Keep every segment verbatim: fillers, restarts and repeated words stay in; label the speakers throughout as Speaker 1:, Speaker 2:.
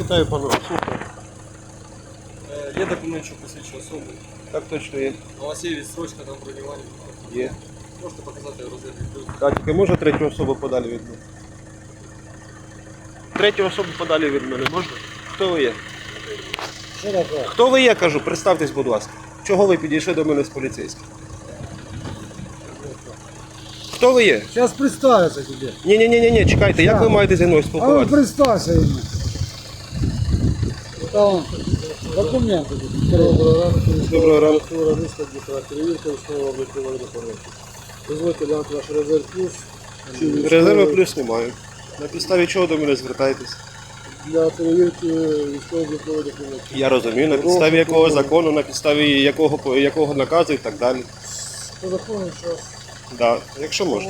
Speaker 1: Вітаю, пане. Слухаю.
Speaker 2: Є документ, що посвідчує особу.
Speaker 1: Так точно є.
Speaker 2: У вас є відстрочка там бронювання.
Speaker 1: Є.
Speaker 2: Можете показати розгляд відео.
Speaker 1: Так, тільки може третю особу подалі від мене? Третю особу подалі від мене можна? Хто ви є?
Speaker 3: Що таке?
Speaker 1: Хто ви є, кажу, представтесь, будь ласка. Чого ви підійшли до мене з поліцейським? Хто ви є?
Speaker 3: Зараз представиться тебе.
Speaker 1: Ні-ні-ні, чекайте, як ви маєте зі мною
Speaker 3: А ну
Speaker 1: спілкуватися?
Speaker 3: представься ему. Там документы.
Speaker 1: Доброго ранку.
Speaker 3: Перевірка основного облікової документів. Дозвольте глянути ваш резерв плюс.
Speaker 1: Резерви плюс немає. На підставі чого до мене звертаєтесь?
Speaker 3: Для перевірки військово-облікової документів.
Speaker 1: Я розумію, на підставі якого закону, на підставі якого, якого наказу і так далі.
Speaker 3: По закону зараз.
Speaker 1: Да, якщо можна.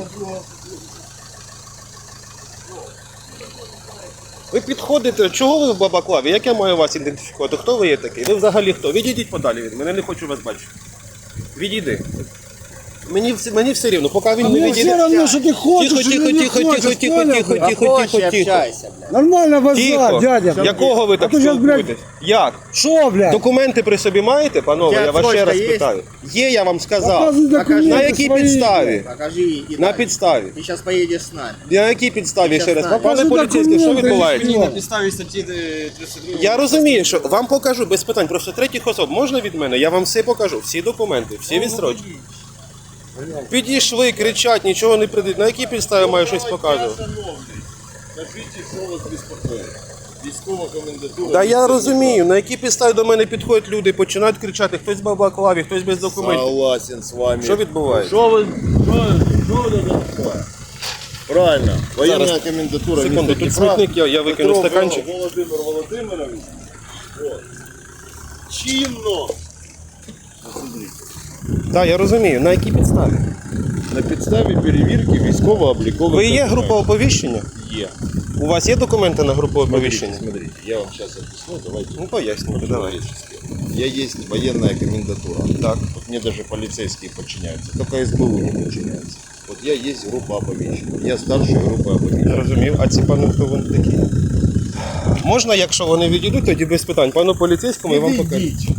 Speaker 1: Ви підходите, чого ви в Бабаклаві? Як я маю вас ідентифікувати? Хто ви є такий? Ви взагалі хто? Відійдіть подалі від мене, не хочу вас бачити. Відійди. Мені, вс- мені все рівно, поки він
Speaker 3: А
Speaker 1: не
Speaker 3: мне
Speaker 1: відійде.
Speaker 3: все равно, что ты хочешь,
Speaker 1: Тихо,
Speaker 3: или
Speaker 1: тихо,
Speaker 3: не
Speaker 1: тихо,
Speaker 3: хочешь,
Speaker 1: тихо, тихо,
Speaker 3: понял,
Speaker 1: тихо,
Speaker 3: блядь?
Speaker 1: тихо, тихо, тихо.
Speaker 3: Нормально базар,
Speaker 1: Тихо.
Speaker 3: дядя.
Speaker 1: Якого ви так
Speaker 3: А то щас, блядь,
Speaker 1: спілкуєтесь? Як?
Speaker 3: Шо, блядь?
Speaker 1: Документи при собі маєте, панове? Я вас ще раз
Speaker 4: є?
Speaker 1: питаю. Є, я вам сказав.
Speaker 3: Показывай документы
Speaker 1: На якій
Speaker 3: свои.
Speaker 1: підставі?
Speaker 4: Покажи и
Speaker 1: На
Speaker 4: дальше.
Speaker 1: підставі.
Speaker 4: Ты сейчас поедешь с нами.
Speaker 1: На якій підставі ще раз?
Speaker 4: знаю.
Speaker 1: Пане
Speaker 3: Покажи
Speaker 1: поліцейський, що
Speaker 3: документи.
Speaker 1: відбувається?
Speaker 2: Мені на підставі статті тридцять два.
Speaker 1: Я розумію, що вам покажу без питань. Просто третіх особ можна від мене? Я вам все покажу. Всі документи, всі відстрочки. Підійшли, кричать, нічого не придуть. На якій підставі маю щось показувати?
Speaker 5: Скажіть, що вас безпокоїть? Військова комендатура.
Speaker 1: Та я розумію, на якій підставі до мене підходять люди, починають кричати, хтось в Бабаклаві, хтось без документів.
Speaker 5: Согласен з вами.
Speaker 1: Що відбувається?
Speaker 5: Що ви... Що, що ви таке? Правильно. Воєнна
Speaker 1: Зараз.
Speaker 5: комендатура.
Speaker 1: Секунду,
Speaker 5: міста
Speaker 1: тут
Speaker 5: Дніпра.
Speaker 1: смітник, я, я викину
Speaker 5: Петров
Speaker 1: стаканчик.
Speaker 5: Володимир Володимирович. Вот. Чинно. Посмотрите.
Speaker 1: Так, я розумію, на якій підставі?
Speaker 5: На підставі перевірки військово-облікових.
Speaker 1: Ви є
Speaker 5: документів.
Speaker 1: група оповіщення?
Speaker 5: Є.
Speaker 1: У вас є документи на групу оповіщення?
Speaker 5: Смотрите, я вам сейчас объясню, давайте.
Speaker 1: Ну, пояснюйте, давай.
Speaker 5: Я есть военная комендатура.
Speaker 1: Так.
Speaker 5: Вот мне даже полицейские подчиняются. Только СБУ не подчиняется. Вот я есть группа оповещения. Я старшая группа
Speaker 1: Я
Speaker 5: оповещения.
Speaker 1: розумів, а ці пани хто вони такі? Можна, якщо вони відійдуть, тоді без питань. Пану поліцейському я вам покажу.
Speaker 5: Идите.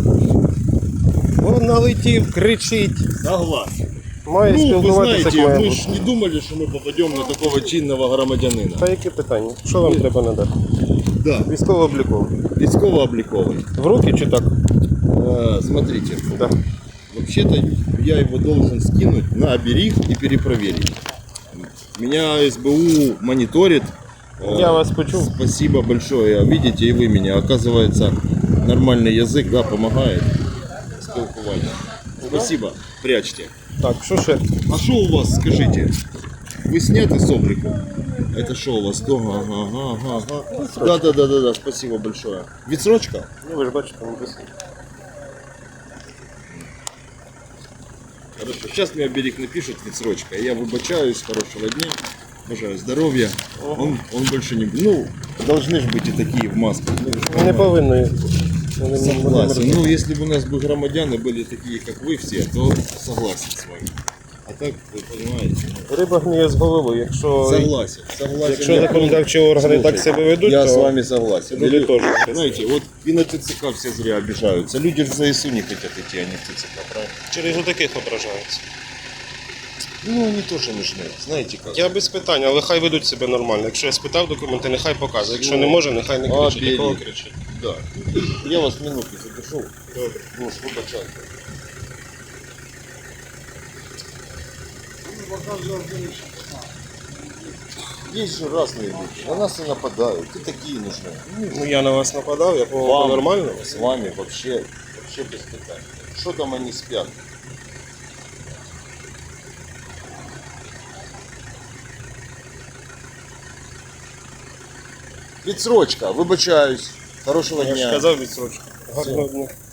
Speaker 1: Він налетів, кричить.
Speaker 5: Согласен.
Speaker 1: Має
Speaker 5: Ну, вы
Speaker 1: спілкуватися, як
Speaker 5: знаете,
Speaker 1: має
Speaker 5: мы
Speaker 1: бути.
Speaker 5: ж не думали, что мы попадем на такого чинного громадянина.
Speaker 1: Та які питання? Що вам треба надати?
Speaker 5: Да.
Speaker 1: Військово-обліково.
Speaker 5: Військово-обликовый.
Speaker 1: В руки чи так?
Speaker 5: А, смотрите,
Speaker 1: Да.
Speaker 5: вообще-то я его должен скинуть на оберег и перепроверить. Меня СБУ мониторит.
Speaker 1: Я вас почув.
Speaker 5: Спасибо большое. Видите, и вы меня. Оказывается, нормальный язык, да, помогает. Спілкування. Спасибо. Прячьте.
Speaker 1: Так, що ще?
Speaker 5: А что у вас, скажите? Вы сняты с облику? Это что у вас? Ага, ага, ага, ага. Да, да, да, да, да, спасибо большое. Відсрочка?
Speaker 1: Ну, ви ж бачите, написано.
Speaker 5: Хорошо. Сейчас мне оберег напишет відсрочка. Я выбачаюсь, хорошего дня. Бажаю здоровья. Он, он больше не... Ну, должны же быть и такие в масках. Ну,
Speaker 1: Не повинні. Вони не-
Speaker 5: Согласен. Ну, если бы у нас бы громадяне были такие, как вы все, то согласен с вами. А так, вы понимаете, ну,
Speaker 1: Риба гниє з голови. Якщо,
Speaker 5: согласен. Согласен.
Speaker 1: якщо
Speaker 5: Я
Speaker 1: законодавчі органи так себе ведуть,
Speaker 5: Я
Speaker 1: то
Speaker 5: с вами согласен.
Speaker 1: люди
Speaker 5: Или-
Speaker 1: теж.
Speaker 5: Знаете, вот и на ТЦК все зря обижаются. Люди же за ИСУ не хотят идти, а не в ТЦК, правильно?
Speaker 1: через отаких ображаються.
Speaker 5: Ну, они тоже нужны. Знаете как?
Speaker 1: Я без питань, але хай ведуть себе нормально. Якщо я спитав документи, нехай показує. Якщо не може, нехай не кричить.
Speaker 5: Оберіг.
Speaker 1: Якого кричить?
Speaker 5: Да. Я вас минутку запишу. Добре. Ну, вибачайте. Есть же разные люди. На нас и нападают. И такие нужны.
Speaker 1: Ну я на вас нападав, я по
Speaker 5: Вам,
Speaker 1: нормально.
Speaker 5: с вами вообще, вообще без питань. Что там они спят? Відсрочка, вибачаюсь. Хорошого
Speaker 1: Я
Speaker 5: дня.
Speaker 1: ж казав відсрочку. Гарного дня.